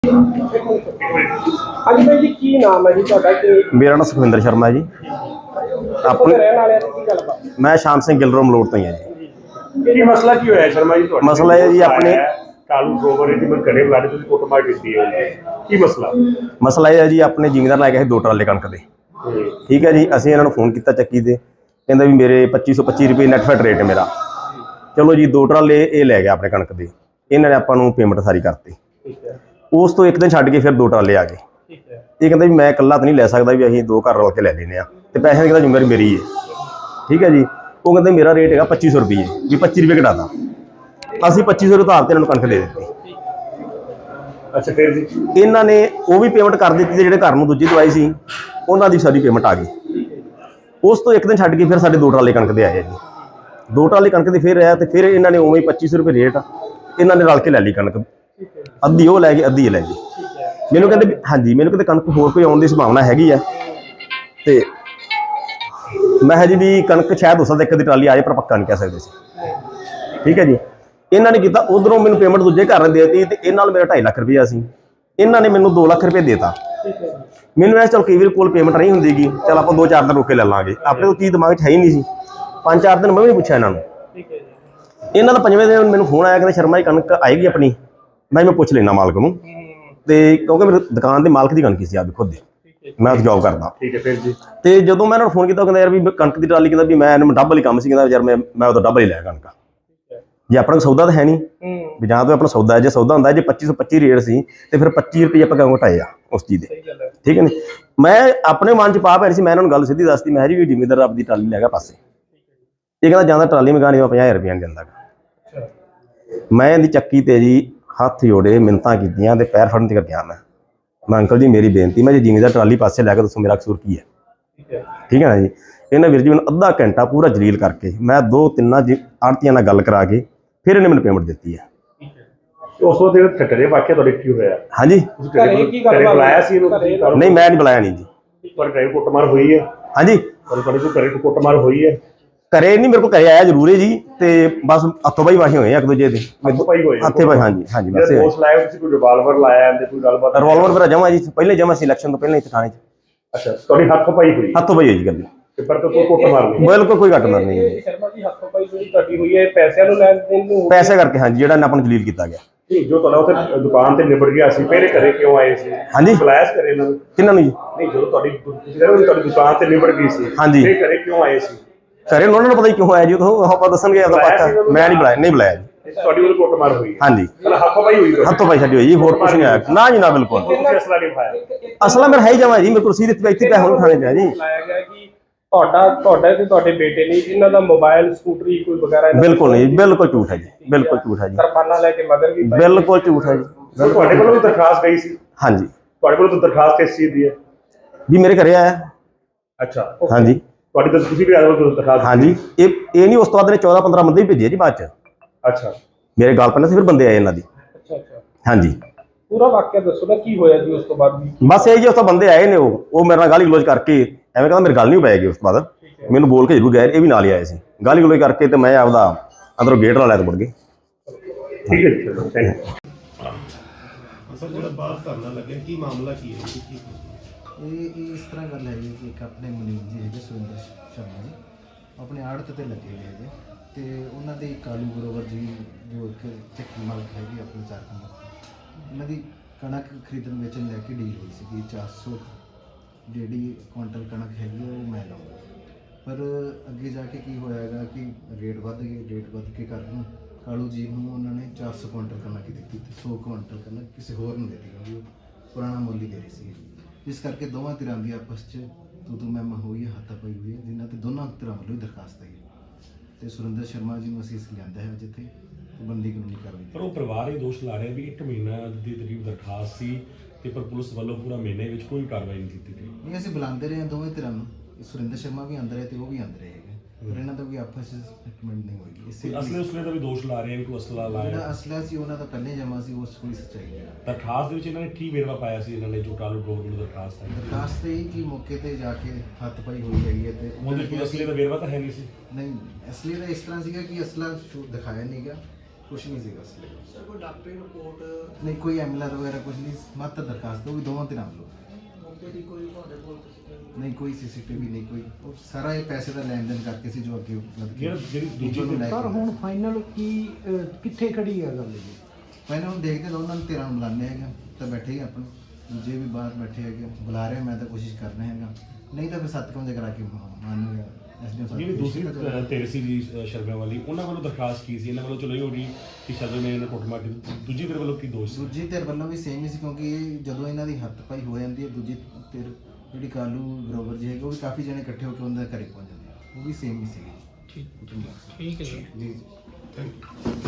ਹਾਂਜੀ ਭਾਈ ਜੀ, ਕੀ ਨਾਮ ਹੈ ਜੀ ਤੁਹਾਡਾ ਤੇ ਮੇਰਾ ਨਾਮ ਸੁਖਵਿੰਦਰ ਸ਼ਰਮਾ ਹੈ ਜੀ। ਆਪਣੇ ਰਹਿਣ ਵਾਲਿਆਂ ਦੀ ਕੀ ਗੱਲਬਾਤ? ਮੈਂ ਸ਼ਾਮ ਸਿੰਘ ਗਿੱਲ ਮਲੋਟ ਤੋਂ ਹੀ ਹਾਂ ਜੀ। ਕੀ ਮਸਲਾ ਕੀ ਹੋਇਆ ਸ਼ਰਮਾ ਜੀ ਤੁਹਾਡੇ? ਮਸਲਾ ਇਹ ਜੀ ਆਪਣੇ ਕਾਲੂ ਗਰੋਵਰ ਦੀ ਮੈਂ ਘਰੇ ਬੁਲਾ ਕੇ ਤੁਸੀਂ ਕੁੱਟਮਾਰ ਕੀਤੀ ਹੈ, ਕੀ ਮਸਲਾ ਇਹ ਹੈ ਜੀ, ਆਪਣੇ ਜ਼ਿਮੀਂਦਾਰ ਲੈ ਕੇ ਆਏ 2 ਟਰਾਲੇ ਕਣਕ ਦੇ। ਠੀਕ ਹੈ ਜੀ, ਅਸੀਂ ਇਹਨਾਂ ਨੂੰ ਫੋਨ ਕੀਤਾ ਚੱਕੀ ਤੇ, ਕਹਿੰਦਾ ਵੀ ਮੇਰੇ 2525 ਰੁਪਏ ਨੈਟ ਫੈਟ ਰੇਟ ਹੈ ਮੇਰਾ। ਚਲੋ ਜੀ 2 ਟਰਾਲੇ ਇਹ ਲੈ ਗਿਆ ਆਪਣੇ ਕਣਕ ਦੇ, ਇਹਨਾਂ ਨੇ ਆਪਾਂ ਨੂੰ ਪੇਮੈਂਟ ਸਾਰੀ ਕਰਤੀ। ਉਸ ਤੋਂ 1 ਦਿਨ ਛੱਡ ਕੇ ਫਿਰ 2 ਟਰਾਲੇ ਆ ਗਏ। ਇਹ ਕਹਿੰਦਾ ਵੀ ਮੈਂ ਇਕੱਲਾ ਤਾਂ ਨਹੀਂ ਲੈ ਸਕਦਾ, ਵੀ ਅਸੀਂ 2 ਘਰ ਰਲ ਕੇ ਲੈ ਲੈਂਦੇ ਹਾਂ ਤੇ ਪੈਸੇ ਦੀ ਕਹਿੰਦਾ ਜ਼ਿੰਮੇਵਾਰੀ ਮੇਰੀ ਹੈ। ਠੀਕ ਹੈ ਜੀ, ਉਹ ਕਹਿੰਦੇ ਮੇਰਾ ਰੇਟ ਹੈਗਾ 2500 ਰੁਪਏ, ਵੀ 25 ਰੁਪਏ ਘਟਾਤਾ। ਅਸੀਂ 2500 ਉਧਾਰ ਤੇ ਇਹਨਾਂ ਨੂੰ ਕਣਕ ਦੇ ਦਿੱਤੀ। ਅੱਛਾ, ਫਿਰ ਜੀ ਇਹਨਾਂ ਨੇ ਉਹ ਵੀ ਪੇਮੈਂਟ ਕਰ ਦਿੱਤੀ ਤੇ ਜਿਹੜੇ ਘਰ ਨੂੰ ਦੂਜੀ ਦਵਾਈ ਸੀ ਉਹਨਾਂ ਦੀ ਸਾਰੀ ਪੇਮੈਂਟ ਆ ਗਈ। ਉਸ ਤੋਂ 1 ਦਿਨ ਛੱਡ ਕੇ ਫਿਰ ਸਾਡੇ 2 ਟਰਾਲੇ ਕਣਕ ਦੇ ਆਏ ਜੀ। 2 ਟਰਾਲੇ ਕਣਕ ਦੇ ਫਿਰ ਆਇਆ ਤੇ ਫਿਰ ਇਹਨਾਂ ਨੇ ਉਵੇਂ ਹੀ 2500 ਰੁਪਏ ਰੇਟ ਇਹਨਾਂ ਨੇ ਰਲ ਕੇ ਲੈ ਲਈ ਕਣਕ। ਅੱਧੀ ਉਹ ਲੈ ਗਏ, ਅੱਧੀ ਇਹ ਲੈ ਗਏ। ਮੈਨੂੰ ਕਹਿੰਦੇ ਹਾਂਜੀ, ਮੈਨੂੰ ਕਹਿੰਦੇ ਕਣਕ ਹੋਰ ਕੋਈ ਆਉਣ ਦੀ ਸੰਭਾਵਨਾ ਹੈਗੀ ਆ ਤੇ ਮੈਂ ਕਿਹਾ ਜੀ ਵੀ ਕਣਕ ਸ਼ਾਇਦ ਹੋ ਸਕਦਾ 1 ਦੀ ਟਰਾਲੀ ਆਏ, ਪਰ ਪੱਕਾ ਨਹੀਂ ਕਹਿ ਸਕਦੇ ਸੀ। ਠੀਕ ਹੈ ਜੀ, ਇਹਨਾਂ ਨੇ ਕੀਤਾ ਉਧਰੋਂ ਮੈਨੂੰ ਪੇਮੈਂਟ ਦੂਜੇ ਘਰ ਨੇ ਦੇਤੀ ਤੇ ਇਹਨਾਂ ਨਾਲ ਮੇਰਾ 2.5 ਲੱਖ ਰੁਪਇਆ ਸੀ। ਇਹਨਾਂ ਨੇ ਮੈਨੂੰ 2 ਲੱਖ ਰੁਪਏ ਦੇਤਾ। ਮੈਨੂੰ ਐ ਚਲ ਕਈ ਵਾਰ ਕੋਲ ਪੇਮੈਂਟ ਨਹੀਂ ਹੁੰਦੀਗੀ, ਚਲ ਆਪਾਂ 2-4 ਦਿਨ ਰੁਕ ਕੇ ਲੈ ਲਾਂਗੇ। ਆਪਣੇ ਤੋਂ ਚੀਜ਼ ਦਿਮਾਗ 'ਚ ਹੈ ਹੀ ਨਹੀਂ ਸੀ। 5-4 ਦਿਨ ਮੈਂ ਵੀ ਨਹੀਂ ਪੁੱਛਿਆ ਇਹਨਾਂ ਨੂੰ। ਇਹਨਾਂ ਦਾ 5ਵੇਂ ਦਿਨ ਮੈਨੂੰ ਫੋਨ ਆਇਆ, ਕਹਿੰਦੇ ਸ਼ਰਮਾ ਜੀ ਕਣਕ ਆਏਗੀ ਆਪਣੀ। ਮੈਂ ਪੁੱਛ ਲੈਣਾ ਮਾਲਕ ਨੂੰ, ਤੇ ਕਿਉਂਕਿ ਮੇਰੀ ਦੁਕਾਨ ਦੇ ਮਾਲਕ ਦੀ ਕਣਕ ਸੀ ਆਪ ਖੁਦ ਦੀ, ਮੈਂ ਉੱਥੇ ਜੋਬ ਕਰਦਾ। ਠੀਕ ਹੈ, ਫਿਰ ਜੀ ਤੇ ਜਦੋਂ ਮੈਂ ਇਹਨਾਂ ਨੂੰ ਫੋਨ ਕੀਤਾ, ਕਹਿੰਦਾ ਯਾਰ ਵੀ ਕਣਕ ਦੀ ਟਰਾਲੀ, ਕਹਿੰਦਾ ਵੀ ਮੈਂ ਇਹਨੂੰ ਡਬਲ ਹੀ ਕੰਮ ਸੀ, ਕਹਿੰਦਾ ਯਾਰ ਮੈਂ ਉਦੋਂ ਡਬਲ ਹੀ ਲਿਆ ਕਣਕ। ਜੇ ਆਪਣਾ ਸੌਦਾ ਤਾਂ ਹੈ ਨਹੀਂ ਵੀ, ਜਾਂ ਤਾਂ ਆਪਣਾ ਸੌਦਾ ਹੈ, ਜੇ ਸੌਦਾ ਹੁੰਦਾ ਜੇ 2525 ਰੇਟ ਸੀ ਤੇ ਫਿਰ 25 ਰੁਪਏ ਆਪਾਂ ਕਿਉਂ ਘਟਾਏ ਆ ਉਸ ਚੀਜ਼ ਦੇ। ਠੀਕ ਹੈ ਨੀ, ਮੈਂ ਆਪਣੇ ਮਨ 'ਚ ਪਾ ਪੈ ਰਹੀ ਸੀ। ਮੈਂ ਇਹਨਾਂ ਨੂੰ ਗੱਲ ਸਿੱਧੀ ਦੱਸਦੀ, ਮੈਂ ਜੀ ਵੀ ਜ਼ਿਮੀਂਦਾਰ ਆਪਦੀ ਟਰਾਲੀ ਲੈ ਗਿਆ ਪਾਸੇ। ਇਹ ਕਹਿੰਦਾ ਜਾਂਦਾ ਟਰਾਲੀ ਮਗਾ ਨਹੀਂ, 50,000 ਰੁਪਇਆ ਨਹੀਂ ਦਿੰਦਾ। ਮੈਂ ਇਹਦੀ ਚੱਕੀ ਤੇ ਜੀ ਹੱਥ ਜੋੜੇ, ਮਿੰਨਤਾਂ ਕੀਤੀਆਂ ਤੇ ਪੈਰ ਫੜਨ ਤੱਕ ਗਿਆ। ਮੈਂ ਅੰਕਲ ਜੀ ਮੇਰੀ ਬੇਨਤੀ, ਮੈਂ ਜੇ ਜ਼ਿਮੀਂਦਾਰ ਟਰਾਲੀ ਪਾਸੇ ਲੈ ਕੇ ਦੱਸੋ ਮੇਰਾ ਕਸੂਰ ਕੀ ਹੈ। ਠੀਕ ਹੈ ਨਾ ਜੀ। ਇਹਨਾਂ ਵੀਰ ਜੀ ਮੈਨੂੰ ਅੱਧਾ ਘੰਟਾ ਪੂਰਾ ਜਲੀਲ ਕਰਕੇ, ਮੈਂ 2-3 ਆੜ੍ਹਤੀਆਂ ਨਾਲ ਗੱਲ ਕਰਾ ਕੇ ਫਿਰ ਇਹਨੇ ਮੈਨੂੰ ਪੇਮੈਂਟ ਦਿੱਤੀ ਹੈ। ਉਸ ਤੋਂ ਬਾਅਦ ਘਰੇ ਵਾਕਿਆ ਤੁਹਾਡੇ ਕੀ ਹੋਇਆ? ਹਾਂਜੀ, ਘਰੇ ਬੁਲਾਇਆ ਸੀ ਇਹਨੂੰ? ਨਹੀਂ ਮੈਂ ਨਹੀਂ ਬੁਲਾਇਆ ਨਹੀਂ ਜੀ। ਪਰ ਘਰੇ ਕੁੱਟਮਾਰ ਹੋਈ ਹੈ? ਹਾਂਜੀ, ਤੁਹਾਡੇ ਕੋਲ ਘਰੇ ਕੁੱਟਮਾਰ ਹੋਈ ਹੈ? ਘਰੇ ਨਹੀਂ, ਮੇਰੇ ਕੋਲ ਘਰੇ ਆਇਆ ਜ਼ਰੂਰ ਹੈ ਜੀ, ਤੇ ਬਸ ਹੱਥੋਂ ਬਾਈ ਵਾਹੀ ਹੋਏ 1 ਦੂਜੇ ਦੇ ਹੱਥੇ ਬਾਈ। ਹਾਂਜੀ ਹਾਂਜੀ, ਬਸ ਦੋਸਤ ਲਾਇਆ ਤੁਸੀਂ, ਕੋਈ ਰਿਵਾਲਵਰ ਲਾਇਆ ਤੇ ਕੋਈ ਗੱਲਬਾਤ? ਰਿਵਾਲਵਰ ਮੇਰਾ ਜਮਾ ਜੀ ਪਹਿਲੇ ਜਮਾ ਸੀ, ਇਲੈਕਸ਼ਨ ਤੋਂ ਪਹਿਲਾਂ ਇੱਥੇ ਥਾਣੇ 'ਚ। ਅੱਛਾ, ਤੁਹਾਡੀ ਹੱਥੋਂ ਪਾਈ ਹੋਈ? ਹੱਥੋਂ ਬਾਈ ਹੋਈ ਜੀ ਗੱਲ। ਪਰ ਕੋਈ ਕੁੱਟਮਾਰ ਨਹੀਂ? ਬਿਲਕੁਲ ਕੋਈ ਘੱਟ ਮਾਰ ਨਹੀਂ ਜੀ। ਸ਼ਰਮਾ ਜੀ ਹੱਥੋਂ ਪਾਈ ਜਿਹੜੀ ਤੁਹਾਡੀ ਹੋਈ ਹੈ, ਪੈਸਿਆਂ ਨੂੰ ਲੈਣ ਦੇਣ ਨੂੰ? ਪੈਸੇ ਕਰਕੇ ਹਾਂਜੀ, ਜਿਹੜਾ ਆਪਾਂ ਨੂੰ ਜਲੀਲ ਕੀਤਾ ਗਿਆ। ਜੋ ਤੁਹਾਡਾ ਉੱਥੇ ਦੁਕਾਨ ਤੇ ਨਿਬੜ ਗਿਆ ਸੀ, ਪਹਿਲੇ ਘਰੇ ਕਿਉਂ ਆਏ ਸੀ? ਹਾਂਜੀ, ਬੁਲਾਇਆ ਸੀ ਘਰੇ ਇਹਨਾਂ ਨੂੰ? ਕਿਹਨਾਂ ਨੂੰ ਜੀ? ਨਹੀਂ, ਜਦੋਂ ਤੁਹਾਡੀ ਦੁਕਾਨ ਤੇ ਨਿਬੜ ਗਈ ਸੀ, ਹਾਂਜੀ, ਇਹ ਘਰੇ ਕਿਉਂ ਆਏ ਸੀ? ਘਰੇ ਉਹਨਾਂ ਨੂੰ ਪਤਾ ਹੀ ਕਿਉਂ ਆਇਆ ਜੀ, ਉਹ ਆਪਾਂ ਦੱਸਣਗੇ ਆਪਦਾ ਪੱਕਾ। ਮੈਂ ਨਹੀਂ ਬੁਲਾਇਆ, ਨਹੀਂ ਬੁਲਾਇਆ ਜੀ। ਤੁਹਾਡੀ ਉਹ ਕੁੱਟਮਾਰ ਹੋਈ? ਹਾਂਜੀ, ਹੱਥੋਂ ਪਾਈ ਹੋਈ? ਹੱਥੋਂ ਪਾਈ ਸਾਡੀ ਹੋਈ ਜੀ, ਹੋਰ ਕੁਝ ਨਹੀਂ ਆਇਆ ਨਾ ਜੀ, ਨਾ ਬਿਲਕੁਲ। ਤੁਸੀਂ ਅਸਲਾ ਨਹੀਂ ਪਾਇਆ? ਅਸਲਾ ਮੇਰਾ ਹੈ ਹੀ ਜਮਾ ਜੀ, ਮੇਰੇ ਕੋਲ ਰਸੀਦ ਇੱਥੇ ਪਿਆ ਹੁਣ ਥਾਣੇ 'ਚ ਹੈ ਜੀ। ਲਾਇਆ ਗਿਆ ਕਿ ਤੁਹਾਡਾ ਤੇ ਤੁਹਾਡੇ ਬੇਟੇ ਨੇ ਇਹਨਾਂ ਦਾ ਮੋਬਾਈਲ, ਸਕੂਟਰੀ ਕੋਈ ਵਗੈਰਾ? ਬਿਲਕੁਲ ਨਹੀਂ, ਬਿਲਕੁਲ ਝੂਠ ਹੈ ਜੀ, ਬਿਲਕੁਲ ਝੂਠ ਹੈ ਜੀ। ਕਿਰਪਾਨਾਂ ਲੈ ਕੇ ਮਗਰ ਵੀ? ਬਿਲਕੁਲ ਝੂਠ ਹੈ ਜੀ। ਤੁਹਾਡੇ ਕੋਲੋਂ ਵੀ ਦਰਖਾਸਤ ਗਈ ਸੀ? ਹਾਂਜੀ। ਤੁਹਾਡੇ ਕੋਲ ਤਾਂ ਦਰਖਾਸਤ ਕਿਸ ਚੀਜ਼ ਦੀ ਹੈ ਜੀ? ਮੇਰੇ ਘਰੇ ਆਇਆ। ਅੱਛਾ, ਹਾਂਜੀ। ਤੁਹਾਡੀ ਤਾਂ ਤੁਸੀਂ ਵੀ ਆਏ ਹੋ ਦਰਖਾਸਤ? ਹਾਂਜੀ, ਇਹ ਨਹੀਂ, ਉਸ ਤੋਂ ਬਾਅਦ ਨੇ 14-15 ਬੰਦੇ ਵੀ ਭੇਜੇ ਜੀ ਬਾਅਦ 'ਚ। ਅੱਛਾ, ਮੇਰੇ ਗੱਲ ਪੈਣਾ ਸੀ, ਫਿਰ ਬੰਦੇ ਆਏ ਇਹਨਾਂ ਦੀ। ਅੱਛਾ ਅੱਛਾ, ਹਾਂਜੀ। ਪੂਰਾ ਵਾਕਿਆ ਦੱਸੋ ਨਾ, ਕੀ ਹੋਇਆ ਜੀ ਉਸ ਤੋਂ ਬਾਅਦ? ਬਸ ਇਹ ਜੀ, ਉਸ ਤੋਂ ਬੰਦੇ ਆਏ ਨੇ, ਉਹ ਮੇਰੇ ਨਾਲ ਗਾਲੀ ਗਲੋਚ ਕਰਕੇ ਐਵੇਂ ਕਹਿੰਦਾ ਮੇਰੀ ਗੱਲ ਨਹੀਂ ਪੈ ਗਈ। ਉਸ ਤੋਂ ਬਾਅਦ ਮੈਨੂੰ ਬੋਲ ਕੇ ਜ਼ਰੂਰ ਗਏ, ਇਹ ਵੀ ਨਾਲ ਹੀ ਆਏ ਸੀ। ਗਾਲੀ ਗਲੋਚ ਕਰਕੇ ਤੇ ਮੈਂ ਆਪਦਾ ਅੰਦਰੋਂ ਗੇਟ ਲਾ ਲਿਆ ਤੇ ਮੁੜ ਗਏ। ਠੀਕ ਹੈ ਜੀ, ਚਲੋ ਥੈਂਕ ਯੂ। ਸਰ, ਜਿਹੜਾ ਬਾਹਰ ਧਰਨਾ ਲੱਗਿਆ, ਕੀ ਮਾਮਲਾ ਕੀ ਹੈ? ਇਹ ਇਸ ਤਰ੍ਹਾਂ ਗੱਲ ਹੈ ਜੀ ਕਿ ਇੱਕ ਆਪਣੇ ਮਨੀਤ ਜੀ ਹੈਗੇ, ਸੁਰਿੰਦਰ ਸ਼ਰਮਾ ਜੀ, ਆਪਣੇ ਆੜਤ ਤੇ ਲੱਗੇ ਹੋਏ ਹੈਗੇ, ਤੇ ਉਹਨਾਂ ਦੇ ਕਾਲੂ ਗਰੋਵਰ ਜੀ ਜੋ ਇੱਕ ਚੱਕੀ ਮਾਲਕ ਹੈਗੇ ਆਪਣੇ 4 ਕਮਰ, ਉਹਨਾਂ ਦੀ ਕਣਕ ਖਰੀਦਣ ਵੇਚਣ ਲੈ ਕੇ ਡੀਲ ਹੋਈ ਸੀਗੀ। 400 ਜਿਹੜੀ ਕੁਆਂਟਲ ਕਣਕ ਹੈਗੀ ਉਹ ਮੈਂ ਲਾਉਂਗਾ, ਪਰ ਅੱਗੇ ਜਾ ਕੇ ਕੀ ਹੋਇਆ ਹੈਗਾ ਕਿ ਰੇਟ ਵੱਧ ਗਏ। ਰੇਟ ਵੱਧ ਕੇ ਕਾਰਨ ਕਾਲੂ ਜੀ ਨੂੰ ਉਹਨਾਂ ਨੇ 400 ਕੁਆਂਟਲ ਕਣਕ ਦਿੱਤੀ ਤੇ 100 ਕੁਆਂਟਲ ਕਣਕ ਕਿਸੇ ਹੋਰ ਨੂੰ ਦੇ ਦਿੱਤੀ, ਕਿਉਂਕਿ ਉਹ ਪੁਰਾਣਾ ਮੁੱਲ ਹੀ ਦੇ ਰਹੀ ਸੀ। ਇਸ ਕਰਕੇ ਦੋਵਾਂ ਧਿਰਾਂ ਦੀ ਆਪਸ 'ਚ ਤੂੰ ਮੈਂ ਹੋਈ ਹੈ, ਹੱਥਾਪਾਈ ਹੋਈ ਹੈ, ਜਿਨ੍ਹਾਂ 'ਤੇ ਦੋਨਾਂ ਧਿਰਾਂ ਵੱਲੋਂ ਹੀ ਦਰਖਾਸਤ ਆਈ ਹੈ। ਤੇ ਸੁਰਿੰਦਰ ਸ਼ਰਮਾ ਜੀ ਨੂੰ ਅਸੀਂ ਇਸ ਲਿਆਂਦਾ ਹੈ ਜਿੱਥੇ ਬੰਦੀ ਕਾਨੂੰਨੀ ਕਾਰਵਾਈ। ਪਰ ਉਹ ਪਰਿਵਾਰ ਇਹ ਦੋਸ਼ ਲਾ ਰਿਹਾ ਵੀ 1 ਮਹੀਨਾ ਦੀ ਤਰੀਕ ਦਰਖਾਸਤ ਸੀ ਤੇ ਪਰ ਪੁਲਿਸ ਵੱਲੋਂ ਪੂਰਾ ਮਹੀਨੇ ਵਿੱਚ ਕੋਈ ਕਾਰਵਾਈ ਨਹੀਂ ਕੀਤੀ ਗਈ। ਨਹੀਂ, ਅਸੀਂ ਬੁਲਾਉਂਦੇ ਰਹੇ ਹਾਂ ਦੋਵੇਂ ਧਿਰਾਂ ਨੂੰ। ਸੁਰਿੰਦਰ ਸ਼ਰਮਾ ਵੀ ਅੰਦਰ ਹੈ ਤੇ ਉਹ ਵੀ ਅੰਦਰ ਹੈਗੇ, ਪਰ ਇਹਨਾਂ ਦਾ ਕੋਈ ਆਪਸ ਸਟੇਟਮੈਂਟ ਨਹੀਂ ਹੋਈ। ਅਸਲੇ ਉਸਲੇ ਦਾ ਵੀ ਦੋਸ਼ ਲਾ ਰਹੇ ਆ ਵੀ ਕੋਈ ਅਸਲਾ ਲਾਇਆ। ਜਿਹੜਾ ਅਸਲਾ ਸੀ ਉਹਨਾਂ ਦਾ ਪਹਿਲੇ ਜਮਾ ਸੀ, ਉਸ ਕੋਈ ਸੱਚਾਈ ਨਹੀਂ। ਦਰਖਾਸਤ ਦੇ ਵਿੱਚ ਇਹਨਾਂ ਨੇ ਕੀ ਵੇਰਵਾ ਪਾਇਆ ਸੀ? ਇਹਨਾਂ ਨੇ ਜੋ ਕਾਲੂ ਗਰੋਵਰ ਨੂੰ ਦਰਖਾਸਤ ਆਈ, ਦਰਖਾਸਤ ਇਹ ਕਿ ਮੌਕੇ ਤੇ ਜਾ ਕੇ ਹੱਥ ਪਾਈ ਹੋਈ ਹੈਗੀ ਹੈ, ਤੇ ਉਹਦੇ ਕੋਈ ਅਸਲੇ ਦਾ ਵੇਰਵਾ ਤਾਂ ਹੈ ਨਹੀਂ ਸੀ? ਨਹੀਂ, ਅਸਲੀ ਦਾ ਇਸ ਤਰ੍ਹਾਂ ਸੀਗਾ ਕਿ ਅਸਲਾ ਦਿਖਾਇਆ ਨਹੀਂ ਗਿਆ, ਕੁਛ ਨਹੀਂ ਸੀਗਾ ਇਸ ਲਈ ਸਰ। ਕੋਈ ਡਾਕਟਰੀ ਰਿਪੋਰਟ ਨਹੀਂ, ਕੋਈ ਐਮਐਲਆਰ ਵਗੈਰਾ ਕੁਛ ਨਹੀਂ, ਮਾਤਰ ਦਰਖਾਸਤ ਉਹ ਵੀ ਦੋਵਾਂ ਤੇ ਨਾਮ ਲਓ। ਮੌਕੇ ਕੋਈ ਤੁਹਾਡੇ ਕੋਲ ਨਹੀਂ, ਕੋਈ ਸੀਸੀਟੀਵੀ ਨਹੀਂ, ਕੋਈ ਉਹ ਸਾਰਾ ਇਹ ਪੈਸੇ ਦਾ ਲੈਣ ਦੇਣ ਕਰਕੇ ਸੀ ਜੋ ਅੱਗੇ ਜਿਹੜੀ ਦੂਜੀ ਸਰ ਹੁਣ ਫਾਈਨਲ ਕੀ ਕਿੱਥੇ ਖੜੀ ਹੈ ਗੱਲ ਜੀ? ਪਹਿਲਾਂ ਹੁਣ ਦੇਖਦੇ ਹਾਂ, ਉਹਨਾਂ ਨੂੰ 13 ਨੂੰ ਬੁਲਾਉਂਦੇ ਹੈਗੇ ਤਾਂ ਬੈਠੇ ਹੀ ਆਪਣੇ ਦੂਜੇ ਵੀ ਬਾਹਰ ਬੈਠੇ ਹੈਗੇ, ਬੁਲਾ ਰਹੇ ਮੈਂ ਤਾਂ ਕੋਸ਼ਿਸ਼ ਕਰ ਰਿਹਾ ਹੈਗਾ, ਨਹੀਂ ਤਾਂ ਫਿਰ 7 ਵਜੇ ਕਰਾ ਕੇ ਮਾਨੂਗਾ। ਜਿਹੜੀ ਦੂਸਰੀ ਧਿਰ ਸੀ ਜੀ ਸ਼ਰਮਾ ਵਾਲੀ, ਉਹਨਾਂ ਵੱਲੋਂ ਦਰਖਾਸਤ ਕੀ ਸੀ? ਇਹਨਾਂ ਵੱਲੋਂ ਚਲੋ ਇਹ ਹੋ ਗਈ ਕਿ ਸ਼ਰਮਾ ਨੇ ਇਹਨਾਂ ਕੁੱਟਮਾਰ ਕੀਤੀ, ਦੂਜੀ ਧਿਰ ਵੱਲੋਂ ਕੀ ਦੋਸ਼ ਸੀ? ਦੂਜੀ ਧਿਰ ਵੱਲੋਂ ਵੀ ਸੇਮ ਹੀ ਸੀ, ਕਿਉਂਕਿ ਜਦੋਂ ਇਹਨਾਂ ਦੀ ਹੱਥ ਪਾਈ ਹੋ ਜਾਂਦੀ ਹੈ, ਦੂਜੀ ਧਿਰ ਜਿਹੜੀ ਕਾਲੂ ਗਰੋਵਰ ਜੀ ਹੈਗੇ ਉਹ ਵੀ ਕਾਫੀ ਜਣੇ ਇਕੱਠੇ ਹੋ ਕੇ ਉਹਨਾਂ ਦੇ ਘਰੇ ਪਹੁੰਚ ਜਾਂਦੇ ਆ, ਉਹ ਵੀ ਸੇਮ ਹੀ ਸੀਗੀ। ਠੀਕ ਹੈ ਸਰ। ਜੀ ਥੈਂਕ ਯੂ।